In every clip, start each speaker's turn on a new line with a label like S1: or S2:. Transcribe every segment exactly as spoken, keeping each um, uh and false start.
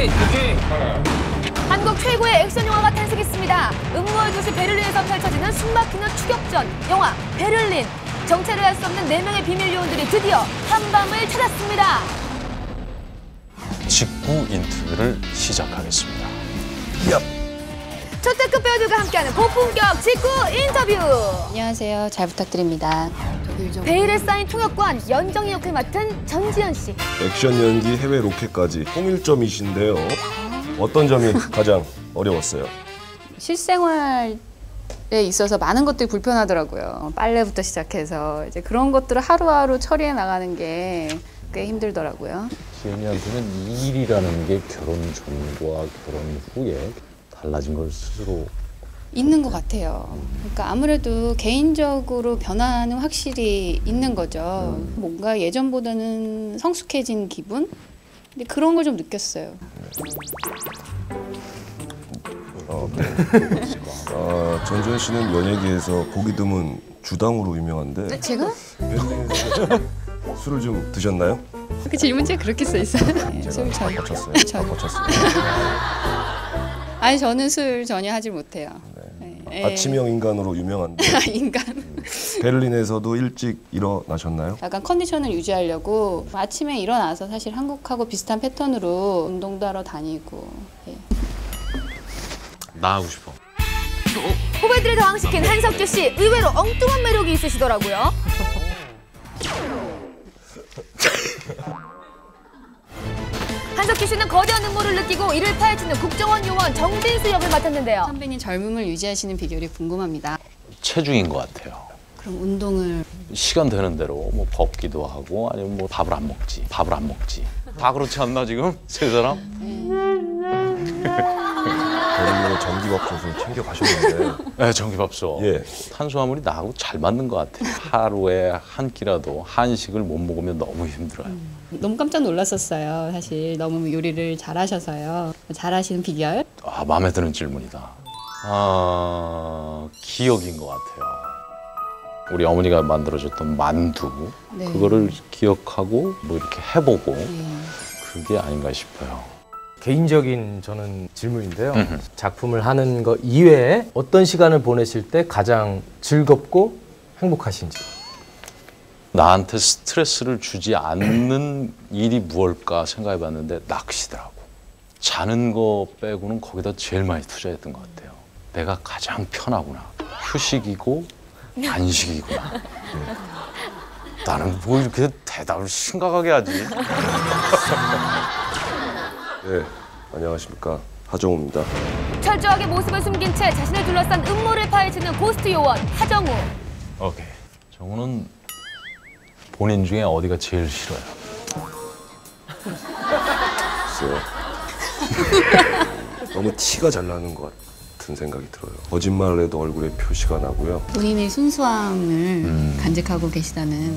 S1: 오케이, 오케이.
S2: 한국 최고의 액션 영화가 탄생했습니다. 음모의 도시 베를린에서 펼쳐지는 숨막히는 추격전 영화 베를린. 정체를 알 수 없는 네 명의 비밀 요원들이 드디어 한밤을 찾았습니다.
S3: 직구 인터뷰를 시작하겠습니다.
S2: 얍. 초특급 배우들과 함께하는 고품격 직구 인터뷰.
S4: 안녕하세요. 잘 부탁드립니다.
S2: 베일에 쌓인 통역관 연정이 역을 맡은 전지현 씨.
S5: 액션 연기 해외 로켓까지 통일점이신데요. 어떤 점이 가장 어려웠어요?
S4: 실생활에 있어서 많은 것들이 불편하더라고요. 빨래부터 시작해서 이제 그런 것들을 하루하루 처리해 나가는 게 꽤 힘들더라고요.
S3: 지연이한테는 이 일이라는 게 결혼 전과 결혼 후에 달라진 걸 스스로
S4: 있는 것 같아요. 그러니까 아무래도 개인적으로 변화는 확실히 있는 거죠. 뭔가 예전보다는 성숙해진 기분? 근데 그런 걸 좀 느꼈어요.
S5: 어, 네. 어, 전지현 씨는 연예계에서 보기 드문 주당으로 유명한데
S4: 제가?
S5: 베를린에서 술을 좀 드셨나요?
S4: 그 질문지에 그렇게 써 있어요. 네, 술
S5: 제가
S4: 전.
S5: 바꿨어요.
S4: 전.
S5: 바꿨어요.
S4: 아니 저는 술 전혀 하질 못해요.
S5: 네.
S4: 네.
S5: 아침형 인간으로 유명한데
S4: 인간.
S5: 음, 베를린에서도 일찍 일어나셨나요?
S4: 약간 컨디션을 유지하려고 아침에 일어나서 사실 한국하고 비슷한 패턴으로 운동도 하러 다니고. 예.
S3: 나 하고 싶어.
S2: 후배들을 당황시킨 한석규 씨. 의외로 엉뚱한 매력이 있으시더라고요. 한석규 씨는 거대한 음모를 느끼고 이를 파헤치는 국정원 요원 정진수 역을 맡았는데요.
S4: 선배님 젊음을 유지하시는 비결이 궁금합니다.
S3: 체중인 것 같아요.
S4: 그럼 운동을
S3: 시간 되는 대로 뭐 걷기도 하고 아니면 뭐 밥을 안 먹지. 밥을 안 먹지. 다 그렇지 않나 지금? 세 사람?
S5: 베를린에 전기밥솥을 챙겨 가셨는데
S3: 네, 전기밥솥.
S5: 예.
S3: 탄수화물이 나하고 잘 맞는 것 같아요. 하루에 한 끼라도 한식을 못 먹으면 너무 힘들어요.
S4: 너무 깜짝 놀랐었어요. 사실 너무 요리를 잘하셔서요. 잘하시는 비결?
S3: 아, 마음에 드는 질문이다. 아, 기억인 것 같아요. 우리 어머니가 만들어줬던 만두,
S4: 네.
S3: 그거를 기억하고 뭐 이렇게 해보고
S4: 네.
S3: 그게 아닌가 싶어요.
S6: 개인적인 저는 질문인데요.
S3: 음흠.
S6: 작품을 하는 거 이외에 어떤 시간을 보내실 때 가장 즐겁고 행복하신지.
S3: 나한테 스트레스를 주지 않는 일이 무엇일까 생각해봤는데 낚시더라고. 자는 거 빼고는 거기다 제일 많이 투자했던 것 같아요. 내가 가장 편하구나. 휴식이고 단식이구나. 나는 뭐 이렇게 대답을 심각하게 하지.
S5: 네, 안녕하십니까. 하정우입니다.
S2: 철저하게 모습을 숨긴 채 자신을 둘러싼 음모를 파헤치는 고스트 요원 하정우.
S3: 오케이. 정우는 본인 중에 어디가 제일 싫어요?
S5: 글쎄요. 너무 티가 잘 나는 것 같은 생각이 들어요. 거짓말을 해도 얼굴에 표시가 나고요.
S4: 본인의 순수함을
S3: 음.
S4: 간직하고 계시다는.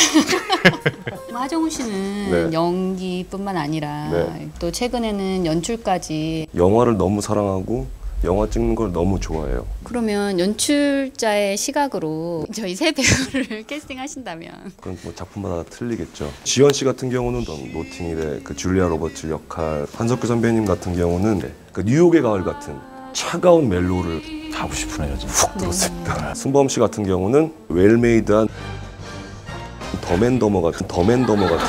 S4: 하정우 씨는
S5: 네.
S4: 연기뿐만 아니라
S5: 네.
S4: 또 최근에는 연출까지.
S5: 영화를 너무 사랑하고 영화 찍는 걸 너무 좋아해요.
S4: 그러면 연출자의 시각으로 저희 세 배우를 캐스팅하신다면
S5: 그건 뭐 작품마다 틀리겠죠. 지연 씨 같은 경우는 노팅힐의 그 줄리아 로버츠 역할, 한석규 선배님 같은 경우는 그 뉴욕의 가을 같은 차가운 멜로를
S3: 하고 싶으네요, 진짜.
S5: 훅 들었습니다. 순범 씨 같은 경우는 웰메이드한 더맨더머 같은 더맨더머 같은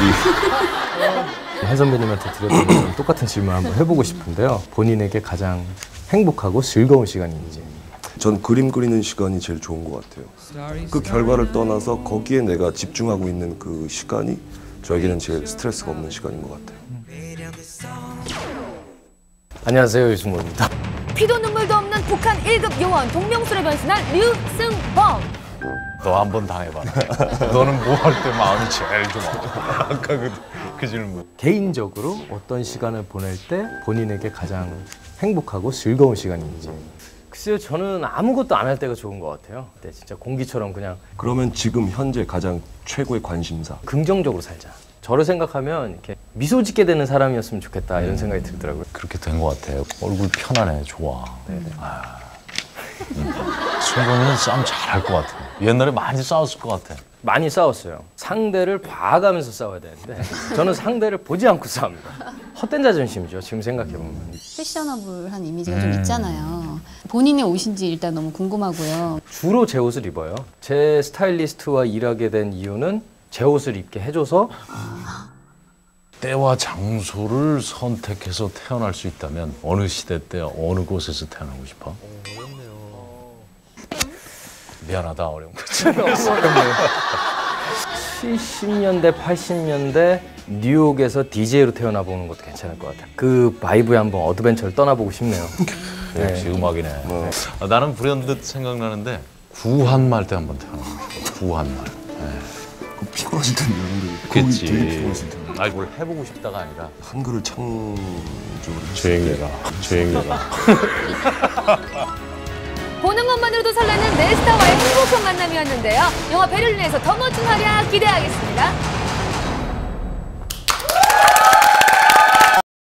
S5: 둘이
S6: 한 선배님한테 드렸던 것처럼 똑같은 질문 한번 해보고 싶은데요. 본인에게 가장 행복하고 즐거운 시간인지.
S5: 전 그림 그리는 시간이 제일 좋은 것 같아요. 그 결과를 떠나서 거기에 내가 집중하고 있는 그 시간이 저에게는 제일 스트레스가 없는 시간인 것 같아요.
S6: 안녕하세요, 유승모입니다.
S2: 피도 눈물도 없는 북한 일 급 요원 동명수로 변신한 류승범.
S3: 너 한번 당해봐라. 너는 뭐 할 때 마음이 제일 좋아. 아까 그, 그 질문.
S6: 개인적으로 어떤 시간을 보낼 때 본인에게 가장 행복하고 즐거운 시간인지. 글쎄요, 저는 아무것도 안 할 때가 좋은 것 같아요. 네, 진짜 공기처럼 그냥
S5: 그러면 지금 현재 가장 최고의 관심사.
S6: 긍정적으로 살자. 저를 생각하면 이렇게 미소 짓게 되는 사람이었으면 좋겠다 이런 생각이 들더라고요.
S3: 그렇게 된 것 같아요. 얼굴 편안해, 좋아.
S6: 네네.
S3: 아, 음. 송강호는 싸움 잘할 것 같아. 옛날에 많이 싸웠을 것 같아.
S6: 많이 싸웠어요. 상대를 봐가면서 싸워야 되는데 저는 상대를 보지 않고 싸웁니다. 헛된 자존심이죠. 지금 생각해보면.
S4: 패셔너블한 이미지가 좀 있잖아요. 본인의 옷인지 일단 너무 궁금하고요.
S6: 주로 제 옷을 입어요. 제 스타일리스트와 일하게 된 이유는 제 옷을 입게 해줘서
S3: 때와 장소를 선택해서 태어날 수 있다면 어느 시대 때 어느 곳에서 태어나고 싶어? 미안하다, 어려운 거지.
S6: 칠십 년대, 팔십 년대 뉴욕에서 디제이로 태어나 보는 것도 괜찮을 것 같아요. 그 바이브에 한번 어드벤처를 떠나보고 싶네요.
S3: 역시 음악이네. 아, 나는 불현듯 생각나는데 구한말 때 한번 태어나고 싶어. 구한말.
S5: 그 피곤하실 텐데 여러분들.
S3: 그치.
S5: 되게 피곤하실 텐데.
S3: 아니 뭘 해보고 싶다가 아니라
S5: 한글을 창조를
S3: 조용해라. 조용해라.
S2: 보는 것만으로도 설레는 네 스타와의 행복한 만남이었는데요. 영화 베를린에서 더 멋진 활약 기대하겠습니다.